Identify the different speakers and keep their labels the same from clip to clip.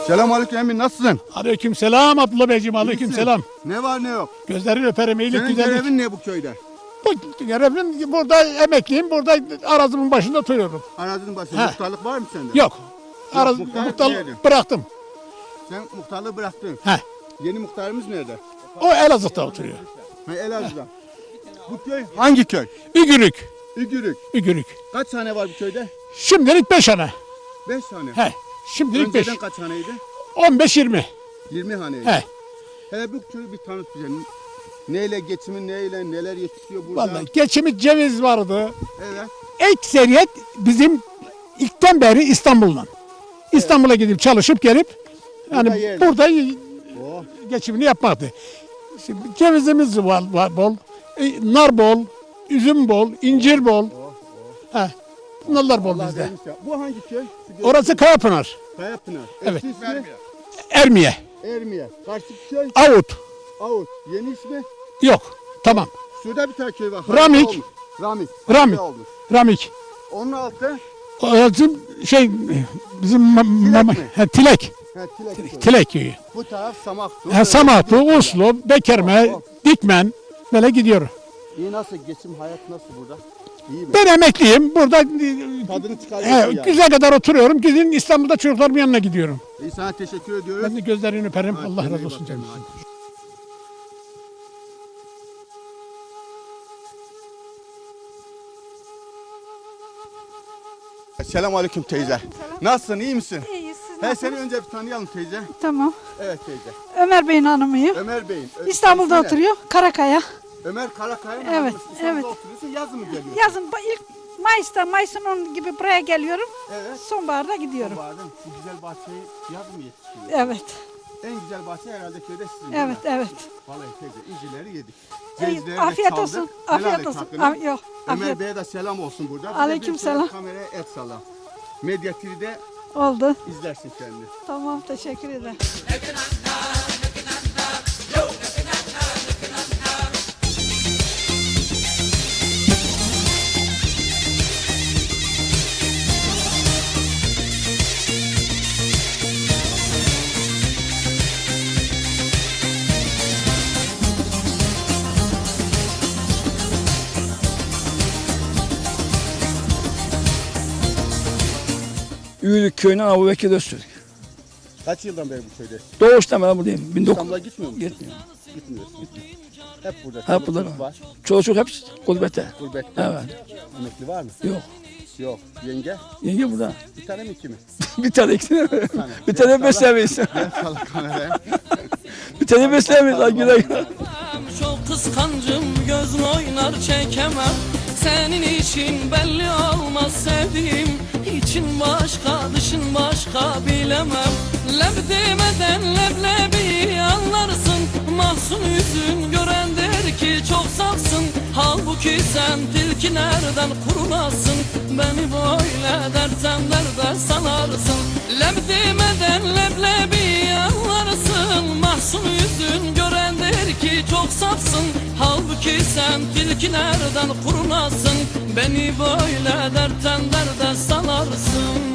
Speaker 1: Selamünaleyküm emin, nasılsın?
Speaker 2: Aleykümselam Abdullah Beyciğim, aleykümselam.
Speaker 1: Ne var ne yok?
Speaker 2: Gözlerini öperim, iyilik
Speaker 1: Senin
Speaker 2: güzellik.
Speaker 1: görevin ne bu köyde?
Speaker 2: Bu görevim, burada emekliyim, burada arazımın başında oturuyorum.
Speaker 1: Arazinin başında muhtarlık var mı sende?
Speaker 2: Yok,
Speaker 1: muhtar nerede?
Speaker 2: bıraktım.
Speaker 1: Sen muhtarlığı bıraktın.
Speaker 2: He.
Speaker 1: Yeni muhtarımız nerede?
Speaker 2: O Elazığ'da oturuyor.
Speaker 1: Ha, Elazığ'da. Bu köy hangi köy?
Speaker 2: Ügürük,
Speaker 1: Ügürük.
Speaker 2: Ügürük.
Speaker 1: Kaç tane var bu köyde?
Speaker 2: Şimdilik 5 hane.
Speaker 1: 5 tane.
Speaker 2: He, şimdilik 5.
Speaker 1: Önceden kaç haneydi?
Speaker 2: 15-20.
Speaker 1: 20 haneydi.
Speaker 2: He.
Speaker 1: Hele bu köyü bir tanıt bize. Neyle geçimin, neyle neler yetişiyor burada?
Speaker 2: Vallahi geçimi ceviz vardı.
Speaker 1: Evet.
Speaker 2: Ekseriyet bizim ilkten beri İstanbul'dan. İstanbul'a gidip çalışıp gelip yani burada
Speaker 1: Oh.
Speaker 2: geçimini yapmaktı. Şimdi cevizimiz var bol, nar bol, üzüm bol, incir bol. He. Bunlar bol
Speaker 1: Allah
Speaker 2: bizde.
Speaker 1: vermiş ya. Bu hangi köy?
Speaker 2: Orası Kayapınar,
Speaker 1: Kayapınar.
Speaker 2: Evet.
Speaker 1: Eski ismi?
Speaker 2: Ermiye,
Speaker 1: Ermiye. Karşı köy?
Speaker 2: Avut.
Speaker 1: Avut. Yeni ismi?
Speaker 2: Yok, tamam.
Speaker 1: Şurada bir tane köy var.
Speaker 2: Ramik.
Speaker 1: Olmuş. Ramik.
Speaker 2: Ramik.
Speaker 1: Olmuş.
Speaker 2: Ramik.
Speaker 1: Onun altı
Speaker 2: Orası bizim
Speaker 1: mi?
Speaker 2: Tilek.
Speaker 1: Tilek köyü.
Speaker 2: Tilek köyü.
Speaker 1: Bu taraf Samaktu.
Speaker 2: Samatlı, Uslu, Bekerme, Dikmen böyle gidiyor.
Speaker 1: İyi, nasıl geçim, hayat nasıl burada? İyi mi?
Speaker 2: Ben emekliyim. Burada
Speaker 1: Tadını çıkarıyorsun yani.
Speaker 2: güzel kadar oturuyorum. Gidin İstanbul'da çocuklarımın yanına gidiyorum.
Speaker 1: İyi, sana teşekkür ediyoruz.
Speaker 2: Ben de gözlerini öperim.
Speaker 1: Hadi,
Speaker 2: Allah
Speaker 1: kendine
Speaker 2: razı
Speaker 1: iyi
Speaker 2: olsun
Speaker 1: bak,
Speaker 2: canım.
Speaker 1: Selamünaleyküm teyze. Nasılsın, iyi misin?
Speaker 3: İyiyiz. Siz
Speaker 1: He,
Speaker 3: nasılsınız?
Speaker 1: seni önce bir tanıyalım teyze.
Speaker 3: Tamam.
Speaker 1: Evet teyze.
Speaker 3: Ömer Bey'in hanımıyım.
Speaker 1: Ömer Bey'in.
Speaker 3: İstanbul'da
Speaker 1: ismi ne?
Speaker 3: oturuyor. Karakaya.
Speaker 1: Ömer Karakaya'nın
Speaker 3: Evet,
Speaker 1: hanımı. İstanbul'da
Speaker 3: evet.
Speaker 1: oturuyorsun, yazın mı geliyorsun?
Speaker 3: Yazın ilk Mayıs'ın 10 gibi buraya geliyorum.
Speaker 1: Evet.
Speaker 3: Sonbaharda gidiyorum.
Speaker 1: Sonbaharda bu güzel bahçeyi yazın mı yetiştiriyor?
Speaker 3: Evet.
Speaker 1: En güzel bahçe herhalde köyde sizin, değil mi?
Speaker 3: Evet, evet.
Speaker 1: Vallahi teyze, incirleri yedik.
Speaker 3: İyi,
Speaker 1: Cevizleri de
Speaker 3: afiyet
Speaker 1: çaldık.
Speaker 3: olsun.
Speaker 1: Helal
Speaker 3: Afiyet
Speaker 1: et
Speaker 3: olsun.
Speaker 1: hakkını.
Speaker 3: Yok.
Speaker 1: Ömer
Speaker 3: Afiyet
Speaker 1: Bey'e de selam olsun burada. Bize
Speaker 3: Aleyküm
Speaker 1: bir şöyle
Speaker 3: selam.
Speaker 1: Kameraya et sala. Medya TV'de
Speaker 3: oldu.
Speaker 1: izlersin kendini.
Speaker 3: Tamam, teşekkür ederim.
Speaker 4: Üyülük köyüne Abu Bekir Öztürk.
Speaker 1: Kaç yıldan beri bu köyde?
Speaker 4: Doğuştan ben buradayım.
Speaker 1: İstanbul'a gitmiyor musun?
Speaker 4: Gitmiyor.
Speaker 1: Gitmiyorsun. Hep burada.
Speaker 4: Hep burada.
Speaker 1: Çoluk var.
Speaker 4: Çocuk hep gurbette.
Speaker 1: Gurbette.
Speaker 4: Evet.
Speaker 1: Emekli var mı?
Speaker 4: Yok.
Speaker 1: Yok. Yenge?
Speaker 4: Yenge burada.
Speaker 1: Bir tane mi, iki mi?
Speaker 4: Bir tane ikisini.
Speaker 1: tane.
Speaker 4: Bir tane beslemeyiz.
Speaker 1: Gel sala kameraya.
Speaker 4: Bir tane beslemeyiz. Ay güle güle.
Speaker 5: Çok kıskancım, gözün oynar çekemem. Senin için belli olmaz sevdiğim. İçin başka, dışın başka bilemem. Leb demeden leblebi anlarsın. Mahzun yüzün gören der ki çok safsın. Halbuki sen tilkilerden kurulasın. Beni böyle dertten derde sanarsın. Leb demeden leblebi anlarsın. Mahzun yüzün gören der ki çok safsın. Halbuki sen tilkilerden kurulasın. Beni böyle dertten derde sanarsın.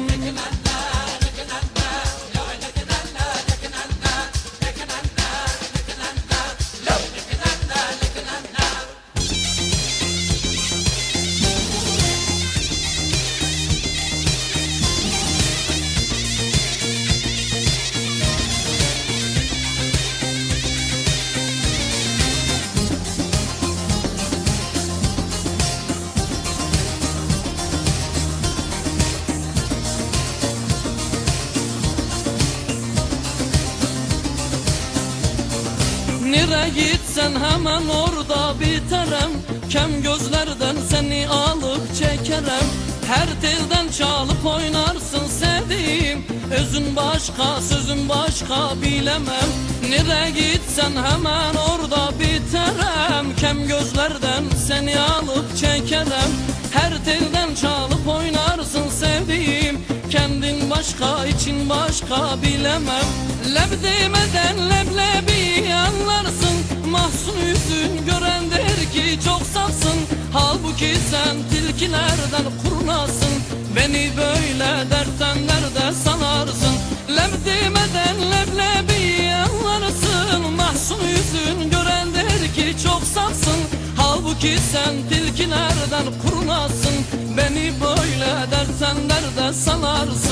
Speaker 5: Nereye gitsen hemen orada biterim. Kem gözlerden seni alıp çekerim. Her telden çalıp oynarsın sevdiğim. Özün başka, sözün başka bilemem. Nereye gitsen hemen orada biterim. Kem gözlerden seni alıp çekerim. Her telden çalıp oynarsın sevdiğim. Kendin başka, için başka bilemem. Leb demeden leblebi anlarsın. Mahzun yüzün gören der ki çok safsın. Halbuki sen tilkilerden kurunasın. Beni böyle dertten nerede sanarsın. Leb demeden ki sen tilkilerden kurunasın. Beni böyle dersen derde salarsın.